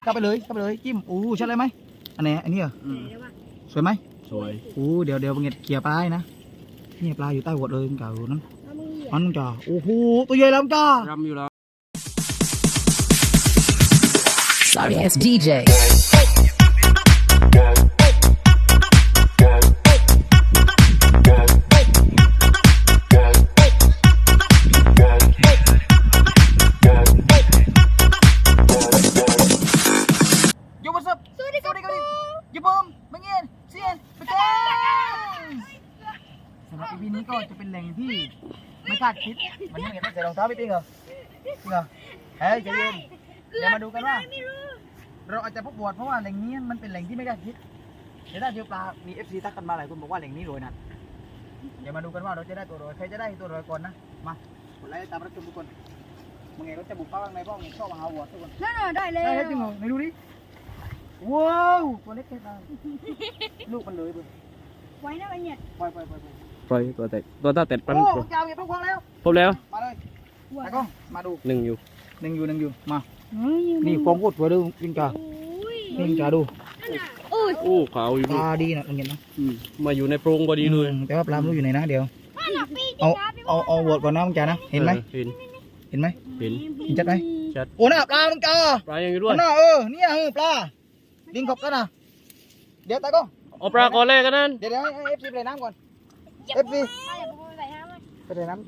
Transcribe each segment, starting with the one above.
เข้าไปเลยจิ้มใช่เลยไหมอันนี้เหรอสวยไหมสวยเดี๋ยวเงี้ยเกี่ยปลานะนี่ปลาอยู่ใต้หัวเลยเก่านั้นมันจ่าตัวใหญ่แล้วจ้ารำอยู่แล้ว Sorry ass DJ สำหรับปีนี้ก็จะเป็นแหล่งที่ไม่คาดคิดวันนี้เห็นใส่รองเท้าไม่จริงเหรอเฮ้ยใจเย็นเดี๋ยวมาดูกันว่าเราอาจจะพบบวชเพราะว่าแหล่งนี้มันเป็นแหล่งที่ไม่คาดคิดเดี๋ยวถ้าเจอปลามี FC ทักกันมาหลายคนบอกว่าแหล่งนี้รวยนะเดี๋ยวมาดูกันว่าเราจะได้ตัวรวยใครจะได้ตัวรวยก่อนนะมากดไลค์ตามรับชมทุกคนมึงไงก็จะบุกเข้าข้างในบ้องชอบมาหาวัวทุกคนได้เลยได้จริงเหรอไหนดูดิว้าวตัวเล็กแค่ไหนลูกมันเลยเว้ยไว้นะไอ้เนี่ยปล่อยตัวตาเต็ดปันเจ้าเก็บพวกแล้วพบแล้วมาเลยตากล้องมาดูหนึ่งอยู่มานี่ฟองโคตรสวยดูจริงจ้าจริงจ้าดูขาวอยู่ปลาดีนะเห็นไหมมาอยู่ในโพรงพอดีเลยแต่ว่าปลาไม่รู้อยู่ไหนนะเดี๋ยวเอาวอดก่อนนะมึงจ้านะเห็นไหมเห็นชัดไหมชัดโอ้น่ะปลามึงจ้าปลายังอยู่ด้วยน่ะเนี่ยปลาดิงขบกันนะเดี๋ยวตากล้องเอาปลาก่อนแรกกันนั่นเดี๋ยวให้ FC ไปน้ำก่อน FC ไปใส่น้ำ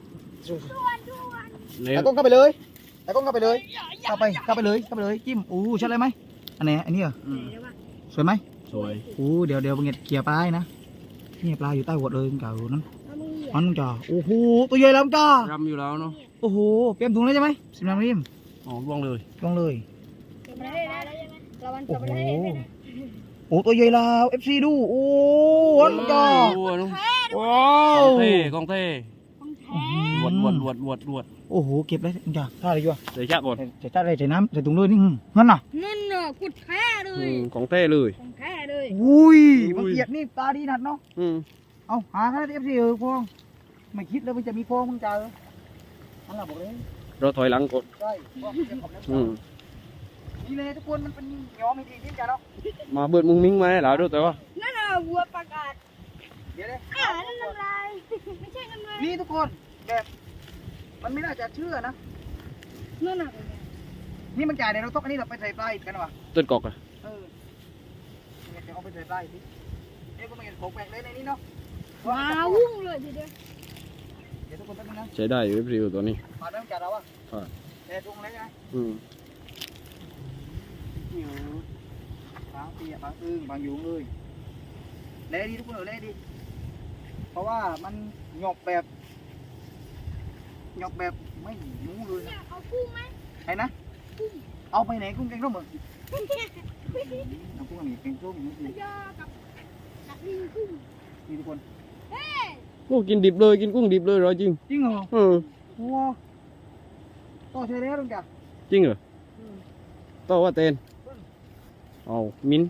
ตากล้องเข้าไปเลยเข้าไปเลยจิ้มใช่เลยไหมอันนี้เหรอสวยไหมสวยเดี๋ยวเงี้ยเกี่ยปลานะนี่ปลาอยู่ใต้หัวเลยเก่านั้นมันจ่าตัวใหญ่แล้วจ้ารำอยู่แล้วเนาะเตรียมถุงแล้วใช่ไหมสิบน้ำริมล่วงเลยตัวใหญ่แล้ว FC ดูมันจ่าว้าวกองเท่หวดเก็บเลยจ้าท่าอะไรอยู่ใส่ชาก่อนใส่ท่าอะไรใส่น้ำใส่ถุงเลยนี่นั่นน่ะกุดแท้เลยของเท่เลยบางเกียดนี่ปลาดีนัดเนาะเอาหาแค่ FC พวงไม่คิดเลยมันจะมีพวงมึงจ่านั่นแหละบอกเลยเราถอยหลังกดใช่นี่เลยทุกคนมันเป็นย้อมจริงๆจ้าเนาะมาเบิดมุ้งมิ้งมาให้เราด้วยแต่ว่านั่นน่ะวัวประกาศเดี๋ยวเลยนั่นน้ำลายไม่ใช่น้ำลายนี่ทุกคนแบบมันไม่น่าจะเชื่อนะนั่นน่ะนี่มันจ่ายในเราต้องอันนี้เราไปใส่ปลาอีกกันวะต้นกอกอะเนี่ยจะเอาไปใส่ปลาอีกนี่ก็ไม่เห็นของแปลกเลยในนี้เนาะว้าววุ่งเลยทีเดียวเดี๋ยวทุกคนตั้งนะใช้ได้อยู่ริวตัวนี้มาเริ่มจัดเราอะแต่ตรงไหนไงบางปีบางอึ้งบางยุงเลยเละดีทุกคนเละดีเพราะว่ามันหยอกแบบไม่รู้เลยเอากุ้งไหมใครนะเอาไปไหนกุ้งแกงส้มเหรอเอากุ้งอะไรแกงส้มนี่ทุกคนกินดิบเลยกินกุ้งดิบเลยร้อยจริงเหรอว้าวต่อเชลล์ตรงจ้ะจริงเหรอต่อว่าเต้นเอามิ้น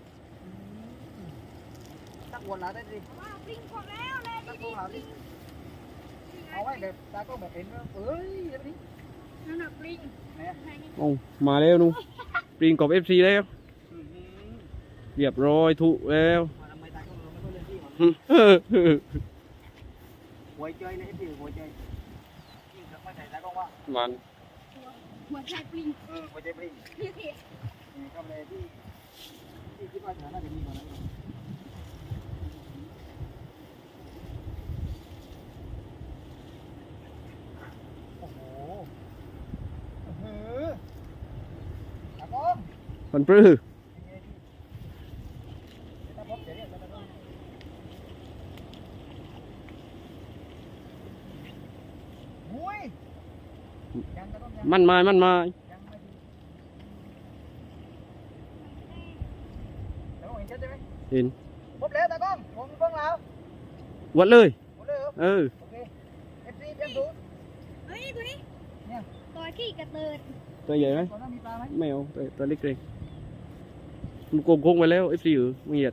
ตักวนแล้วได้ดิปลิงพอแล้วเลยดิเอาไว้แบบตาก็แบบเห็นเอ้ยแบบนี้นั่นน่ะปลิงมาแล้วนู่นปลิงกบ FC แล้วเรียบร้อยถูกแล้วหัวใจเลย FC หัวใจยิ่งจะไม่ใส่ตาก็ว่ามันหัวใจปลิงหัวใจปลิงนี่ก็เลยที่คิดว่าน่าจะมีกว่านั้นมันปลื้มมันมาเห็นพบแล้วตากล้องผมเพิ่งแล้ววัดเลยโอเค FC เตรียมสูตรเฮ้ยตัวนี้เนี่ยตัวขี้กระเติดตัวใหญ่ไหมไม่เอาตัวเล็กเลยมันโกงไปแล้ว FC มึงเหยียด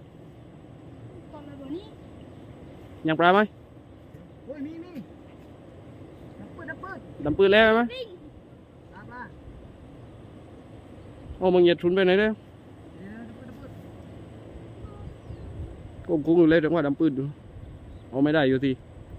ยังปลาไหมมีดำปืนแล้วไหมเอาบางเหยียดชุนไปไหนแล้วก็กุ้งอยู่เลยแต่ว่าดำปืนดูเอาไม่ได้อยู่ที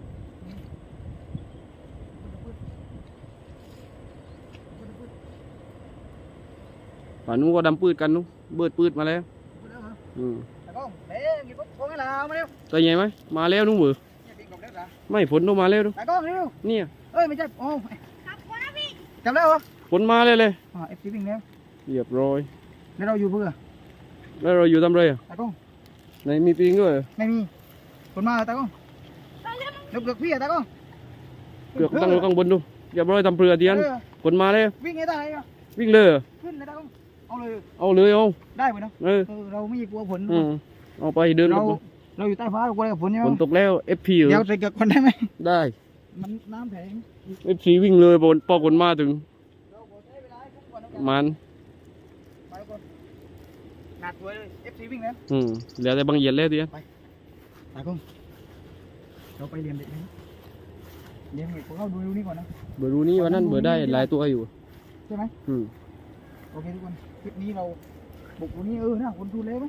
ป่านนู้นก็ดำปืดกันนู้นเบิดปืดมาแล้วตากล้องเด้กินปุ๊บโค้งให้เรามาเร็วตัวใหญ่ไหมมาแล้วนู้นเบือเนี่ยปีนกบเร็วจ้ะไม่ฝนต้องมาแล้วดูตากล้องเร็วเนี่ยเอ้ยไม่ใช่โอ้ครับคนนะพี่จับแล้วเหรอฝนมาเลยเอฟซีวิ่งแล้วเรียบร้อยแล้วเราอยู่เพื่อแล้วเราอยู่ทำไรอ่ะตากล้องไหนมีปิงด้วยเหรอไม่มีคนมาตากล้องเลือกพี่อะตากล้องเกือกตั้งอยู่ข้างบนดูเรียบร้อยทำเปลือเทียนฝนมาแล้ววิ่งให้ได้เหรอวิ่งเลยเหรอขึ้นเลยตากล้องเอาเลยเอาเลยเอาได้ไหมเนาะ เราไม่กลัวฝนเอาไปเดินเราอยู่ใต้ฟ้าเรากลัวอะไรกับฝนใช่ไหมฝนตกแล้ว FP เหรเดี๋ยวอใส่เกือกคนได้ไหมได้มันน้ำแข็ง FC วิ่งเลยพอฝนมาถึงเราขอใช้เวลาให้ทุกคนนะมันไปทุกคนหนักตัวเลยเอฟซีวิ่งแล้วเหลือแต่บางเหยียดแล้วเทียนตากล้องเราไปเรียนเด็กไหมเรียนเด็กพวกเราดูนี่ก่อนนะเบอร์รู้นี้วันนั้นเบอร์ได้หลายตัวอยู่ใช่ไหมโอเคทุกคนคลิปนี้เราบุกตรงนี้นะคนดูเลยไหม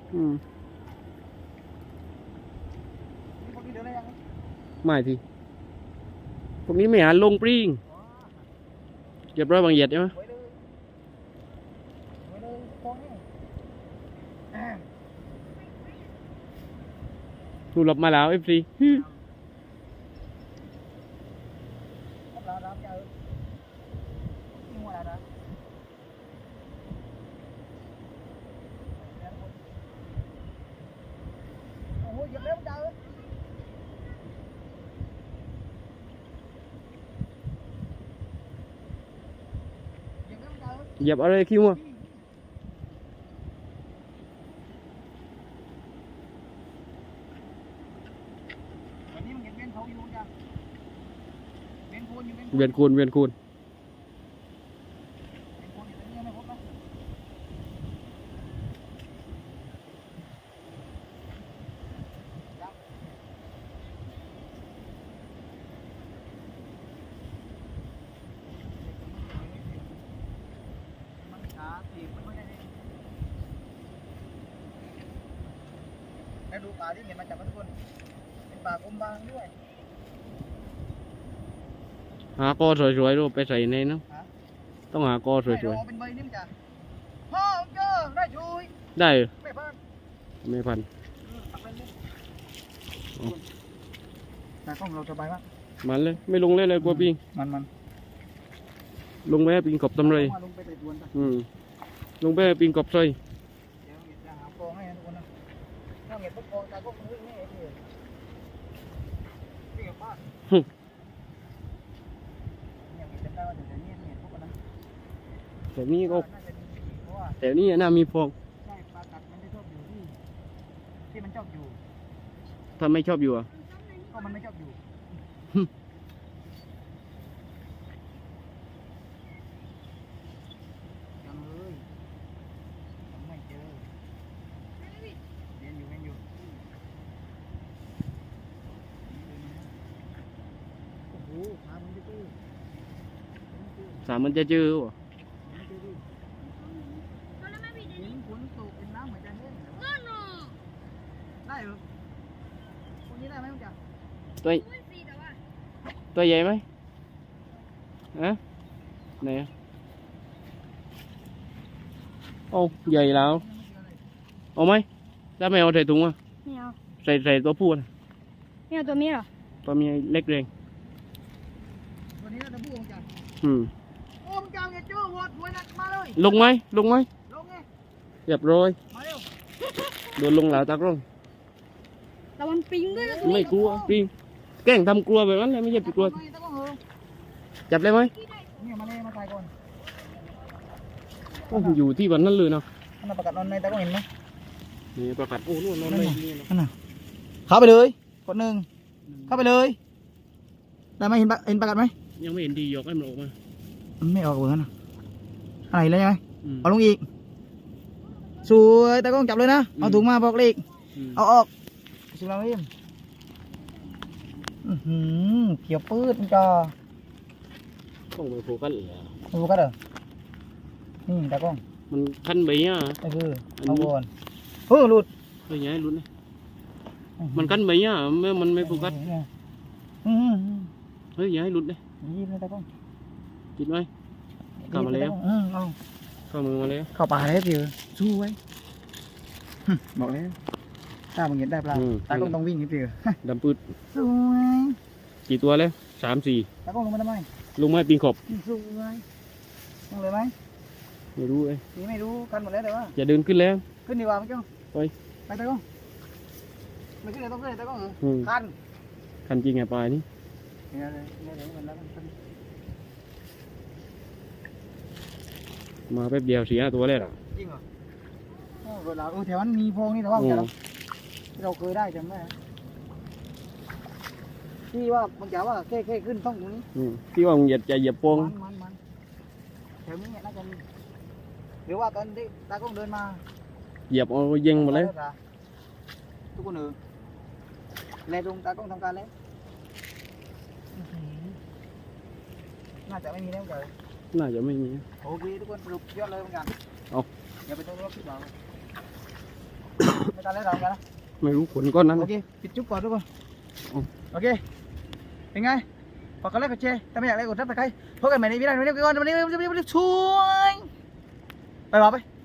นี่พวกนี้เดินได้ยังไม่ทีพวกนี้ไม่หาลงปริงเรียบร้อยบางเหยียดใช่ไหมไว้เลยไว้เลยฟองนี่ถูกหลบมาแล้ว FC เราดำเจอนี่หัวเราโอ้โหหยิบเร็วเจอหยิบเร็วเจอเหยียบอะไรคิวอ่ะวันนี้มันเห็นเวียนเขาอยู่จ้ะเวียนโคนอยู่เวียนโคนเวียนคูณเวียนคูณเวียนโคนอยู่ตรงนี้ไม่พบนะยังมันขาตีบมันไม่ได้เลยแล้วดูปลาที่เห็นมาจากทุกคน เป็นปลากลมบางด้วยหากอสวยๆดูไปใส่ในน้ำต้องหากอสวยเป็นใบนิ่มจ้ะพ่อเจอได้ช่วยๆได้เหรอไม่พันไม่พันตักไปเลยแต่กล้องเราสบายมากมันเลยไม่ลงเลยกลัวปิงมันลงไปให้ปิงกบทำไรลงไปใส่ดวนจ้ะลงไปให้ปิงกบซอยเดี๋ยวจะหากองให้ทุกคนนะถ้าเห็นพวกกองตาก็คงวิ่งนี่เองวิ่งกับบ้านยังมีจำได้ว่าเดี๋ยวนี้เห็นพวกกันนะแต่นี้ก็น่าจะมีเพราะว่าแต่นี้น่ามีฟองใช่ปลากัดมันจะชอบอยู่ที่มันชอบอยู่ถ้าไม่ชอบอยู่อ่ะก็มันไม่ชอบอยู่ยังเลยยังไม่เจอเรียนอยู่โอ้โหขามันจะตื้อสามมันจะเจอวะคนละไม่ผิดเห็นฝนตกเป็นน้ำเหมือนจะแห้งเหรอเงื่อนหรอได้เหรอพวกนี้ได้ไหมคุณจ๋าตัวไม่สิแต่ว่าตัวใหญ่ไหมฮะไหนอะโอ้ใหญ่แล้วเอาไหมถ้าไม่เอาใส่ถุงอ่ะไม่เอาใส่ตัวผู้นะไม่เอาตัวนี้หรอตัวเมียเล็กเรงวันนี้เราจะพูดคุณจ๋าอืมโอ้มึงจ๋าเนี่ยเจอวอดวยนักมาเลยลงไหมลงไงเรียบร้อยมาเร็วโดนลงหลาวตากล้องแต่มันปิงด้วยนะไม่กลัวปิงแกล้งทำกลัวแบบนั้นเลยไม่ใช่กลัวตะก้องเหรอจับเลยไหมเนี่ยมาเลยมาถ่ายก่อนโอ้อยู่ที่วันนั้นเลยเนาะอันนั้นประกาศนอนในตะก้องเห็นไหมนี่ประกาศโอ้นู่นนอนไม่นี่เนาะนั่นน่ะเข้าไปเลยกดหนึ่งเข้าไปเลยได้ไหมเห็นประกาศไหมยังไม่เห็นดียกให้มันออกมามันไม่ออกเหมือนกันนะอะไรเลยไหมอืมเอาลงอีกสวยตะก้องจับเลยนะเอาถุงมาบอกเลขอืมเอาออกสุรามิมเกี่ยวปืดมันจ้าต้องไปโฟกัสเหรอดูกันเหรอนี่ตะก้องมันคันใบอ่ะก็คืออันนี้เอาก่อนหลุดเฮ้ยอย้ายลุ้นเลยมันคันใบอ่ะมันไม่โฟกัสอืมเฮ้ยอย้ายลุ้นเลยยิ้มเลยตากล้องกินไหม เข้ามาแล้วเอาเข้ามือมาแล้วเข้าป่าแล้วพี่สู้ไว้บอกแล้วถ้ามึงเห็นได้ปลาตากล้องต้องวิ่งนี่พี่ดำปืดสวยกี่ตัวแล้ว3-4 ตากล้องลงมาทำไมลงไม้ปีนขอบสวยลงเลยไหมไม่รู้เอ้ยพี่ไม่รู้กันหมดแล้วแต่ว่าอย่าเดินขึ้นแล้วขึ้นดีกว่าไหมเจ้าไปไปตากล้องไม่ขึ้นเลยต้องขึ้นเลยตากล้องเหรออืมคันคันจริงไงปลายนี่เนี่ยเลยเนี่ยเลยมันแล้วมันมาแป๊บเดียว4-5ตัวแล้วล่ะจริงเหรอโอ้เวลาแถวนั้นมีโพรงนี่แต่ว่าโอ้เราเคยได้จำได้ที่ว่าบางอย่างว่าแค่ขึ้นต้องตรงนี้ที่ว่ามึงอย่าเหยียบโป้งมันแถวนี้เนี่ยน่าจะมีหรือว่าตอนที่ตากล้องเดินมาเหยียบเอาเย็งหมดแล้วทุกคนเลยลงตากล้องทำการแล้วน่าจะไม่มีแล้วเดี๋ยวน่าจะไม่มีโอเคทุกคนสรุปยอดเลยเหมือนกันเอาอย่าไปต้องรบผิดหวังไม่ตันแล้วเรากันนะไม่รู้ผลก้อนนั้นโอเคปิดจุ๊บก่อนทุกคนเอาโอเคเป็นไงฝากกดไลค์กดแชร์ถ้าไม่อยากไลค์กดซับสไครต์พบกันใหม่ในวิดีโอนี้ก่อนวันนี้ช่วยไปบอกไป